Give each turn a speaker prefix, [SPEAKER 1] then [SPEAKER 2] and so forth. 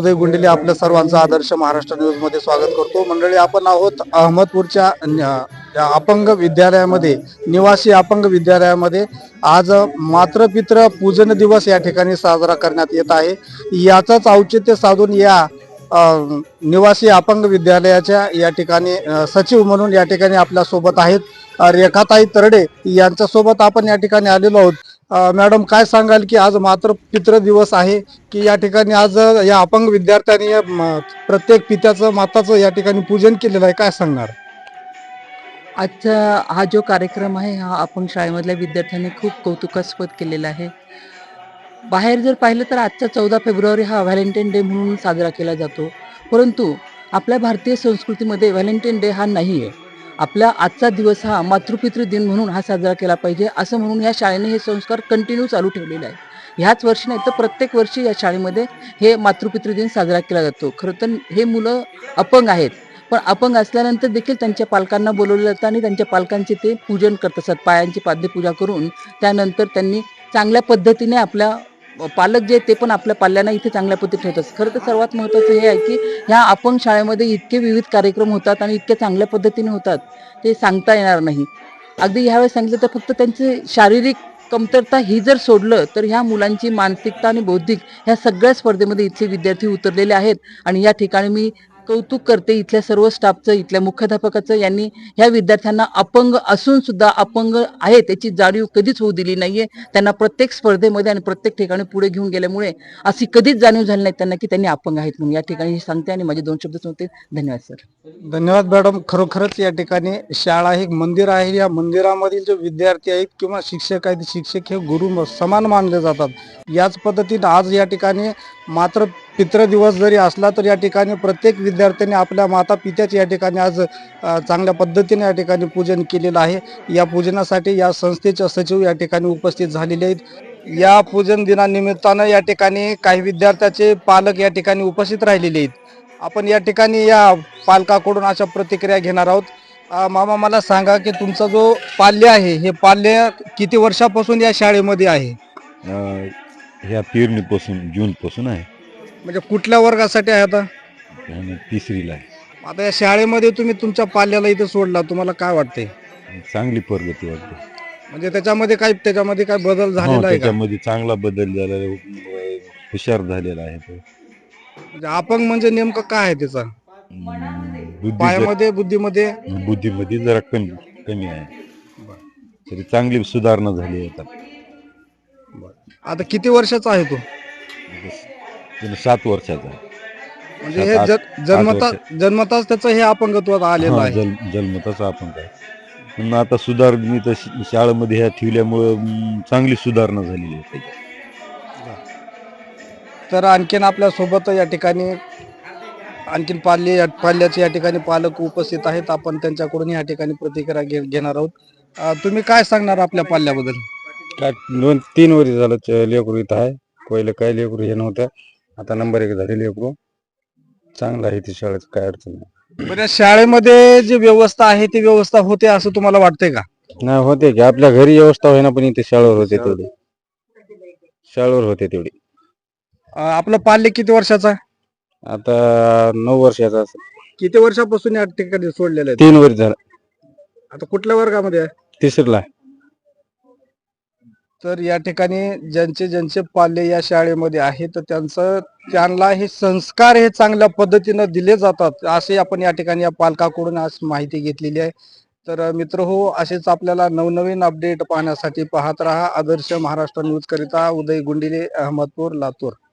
[SPEAKER 1] उदय गुंडिले आपल्या सर्वांचं आदर्श महाराष्ट्र न्यूज मध्ये स्वागत करतो। मंडळी, आपण आहोत अहमदपूरच्या या अपंग विद्यालयामध्ये, निवासी अपंग विद्यालयामध्ये। आज मातृपितृ पूजन दिवस या ठिकाणी साजरा करण्यात येत आहे। याचाच औचित्य साधून या निवासी अपंग विद्यालयाच्या या ठिकाणी सचिव म्हणून या ठिकाणी आपल्या सोबत आहेत रेखाताई तरडे, यांच्या सोबत आपण या ठिकाणी आलेलो आहोत। मॅडम, काय सांगाल की आज मातृपितृ दिवस आहे की या ठिकाणी आज या अपंग विद्यार्थ्यांनी प्रत्येक पित्याचं माताचं या ठिकाणी पूजन केलेलं आहे, काय सांगणार?
[SPEAKER 2] आजचा हा जो कार्यक्रम आहे हा अपंग शाळेमधल्या विद्यार्थ्यांनी खूप कौतुकास्पद केलेला आहे। बाहेर जर पाहिलं तर आजचा 14 फेब्रुवारी हा व्हॅलेंटाईन डे म्हणून साजरा केला जातो, परंतु आपल्या भारतीय संस्कृतीमध्ये व्हॅलेंटाईन डे हा नाही आहे। आपला आजचा दिवस हा मातृपितृ दिन म्हणून हा साजरा केला पाहिजे, असं म्हणून या शाळेने हे संस्कार कंटिन्यू चालू ठेवलेले आहे। ह्याच वर्षी नाही तर प्रत्येक वर्षी या शाळेमध्ये हे मातृपितृ दिन साजरा केला जातो। खरं तर हे मुलं अपंग आहेत, पण अपंग असल्यानंतर देखील त्यांच्या पालकांना बोलवलं जातं आणि त्यांच्या पालकांचे ते पूजन करत असतात। पायांची पाद्यपूजा करून त्यानंतर त्यांनी चांगल्या पद्धतीने आपल्या पालक जे ते पण आपल्या पाल्यांना इथे चांगल्या पद्धतीने ठेवतात। खरं तर सर्वात महत्त्वाचं हे आहे की ह्या अपंग शाळेमध्ये इतके विविध कार्यक्रम होतात आणि इतक्या चांगल्या पद्धतीने होतात, ते सांगता येणार नाही। अगदी ह्यावेळेस सांगितलं तर फक्त त्यांची शारीरिक कमतरता ही जर सोडलं तर ह्या मुलांची मानसिकता आणि बौद्धिक ह्या सगळ्या स्पर्धेमध्ये इथले विद्यार्थी उतरलेले आहेत। आणि या ठिकाणी मी कौतुक करते इथल्या सर्व स्टाफचं, इथल्या मुख्याध्यापकाचं। यांनी ह्या विद्यार्थ्यांना अपंग असून सुद्धा अपंग आहे त्याची जाणीव कधीच होऊ दिली नाहीये। त्यांना प्रत्येक स्पर्धेमध्ये आणि प्रत्येक ठिकाणी पुढे घेऊन गेल्यामुळे अशी कधीच जाणीव झाली नाही त्यांना की त्यांनी अपंग आहेत म्हणून। या ठिकाणी सांगते आणि माझे 2 शब्द सांगते। धन्यवाद सर।
[SPEAKER 1] धन्यवाद मॅडम। खरोखरच या ठिकाणी शाळा हे मंदिर आहे। या मंदिरामधील जे विद्यार्थी आहेत किंवा शिक्षक आहेत, शिक्षक हे गुरु समान मानले जातात। याच पद्धतीने आज या ठिकाणी मातृपितृ दिवस जरी असला तर या ठिकाणी प्रत्येक विद्यार्थ्यांनी आपल्या माता पित्याचे या ठिकाणी आज चांगल्या पद्धतीने या ठिकाणी पूजन केलेलं आहे। या पूजनासाठी या संस्थेचे सचिव या ठिकाणी उपस्थित झालेले आहेत। या पूजन दिनानिमित्तानं या ठिकाणी काही विद्यार्थ्याचे पालक या ठिकाणी उपस्थित राहिलेले आहेत। आपण या ठिकाणी या पालकाकडून अशा प्रतिक्रिया घेणार आहोत। मामा, मला सांगा की तुमचा जो पाल्य आहे हे पाल्य किती वर्षापासून या शाळेमध्ये आहे?
[SPEAKER 3] ह्या पेरणीपासून जूनपासून आहे
[SPEAKER 1] म्हणजे कुठल्या वर्गासाठी आहे आता?
[SPEAKER 3] आणि तिसरीला आहे।
[SPEAKER 1] आता या शाळेमध्ये तुम्ही तुमच्या पाल्याला इथे सोडला, तुम्हाला काय वाटतंय?
[SPEAKER 3] चांगली प्रगती वाटते।
[SPEAKER 1] म्हणजे त्याच्यामध्ये काय बदल झालेला आहे का?
[SPEAKER 3] त्याच्यामध्ये चांगला बदल झालेला आहे, हुशार झालेला आहे तो।
[SPEAKER 1] म्हणजे अपंग म्हणजे नेमकं काय आहे त्याचा? पायामध्ये, बुद्धीमध्ये?
[SPEAKER 3] बुद्धीमध्ये जरा कमी आहे, तरी चांगली सुधारणा झाली आहे आता।
[SPEAKER 1] आता किती वर्षाचा आहे तो?
[SPEAKER 3] 7 वर्षाचा आहे।
[SPEAKER 1] म्हणजे हे जन्मताच त्याचं हे अपंगत्व आलेलं आहे?
[SPEAKER 3] जन्मताच अपंग आहे, पण आता सुधारणा शाळेमध्ये ह्या ठेवल्यामुळे चांगली सुधारणा झालेली आहे।
[SPEAKER 1] तर आणखीन आपल्या सोबत या ठिकाणी आणखीन पाल्याचे या ठिकाणी पालक उपस्थित आहेत। आपण त्यांच्याकडून या ठिकाणी प्रतिक्रिया घेणार आहोत। तुम्ही काय सांगणार आपल्या पाल्याबद्दल?
[SPEAKER 4] काय 2-3 वर्ष झालं लेकरू इथं आहे। पहिले काय लेकरू हे नव्हतं, आता नंबर 1 झाले लेकरू। चांगलं आहे ती शाळेत, काय अडचण नाही।
[SPEAKER 1] बरं, शाळेमध्ये जी व्यवस्था आहे ती व्यवस्था होते असं तुम्हाला वाटतंय का?
[SPEAKER 4] नाही होते की आपल्या घरी व्यवस्था होईना, पण इथे शाळेवर होते तेवढी, शाळेवर होते तेवढी।
[SPEAKER 1] आपलं पाल्य किती वर्षाचा?
[SPEAKER 4] आता 9 वर्षाचा असेल।
[SPEAKER 1] किती वर्षापासून या ठिकाणी सोडलेलं आहे?
[SPEAKER 4] 3 वर्ष झालं,
[SPEAKER 1] आता कुठल्या वर्गामध्ये आहे?
[SPEAKER 4] तिसरीला आहे।
[SPEAKER 1] तर या ठिकाणी ज्यांचे पाल्य या शाळेमध्ये आहे तर त्यांना हे संस्कार हे चांगल्या पद्धतीनं दिले जातात असे आपण या ठिकाणी या पालकाकडून आज माहिती घेतलेली आहे। तर मित्र हो, असेच आपल्याला नवनवीन अपडेट पाहण्यासाठी पाहत रहा आदर्श महाराष्ट्र न्यूज करिता उदय गुंडिले, अहमदपूर, लातूर।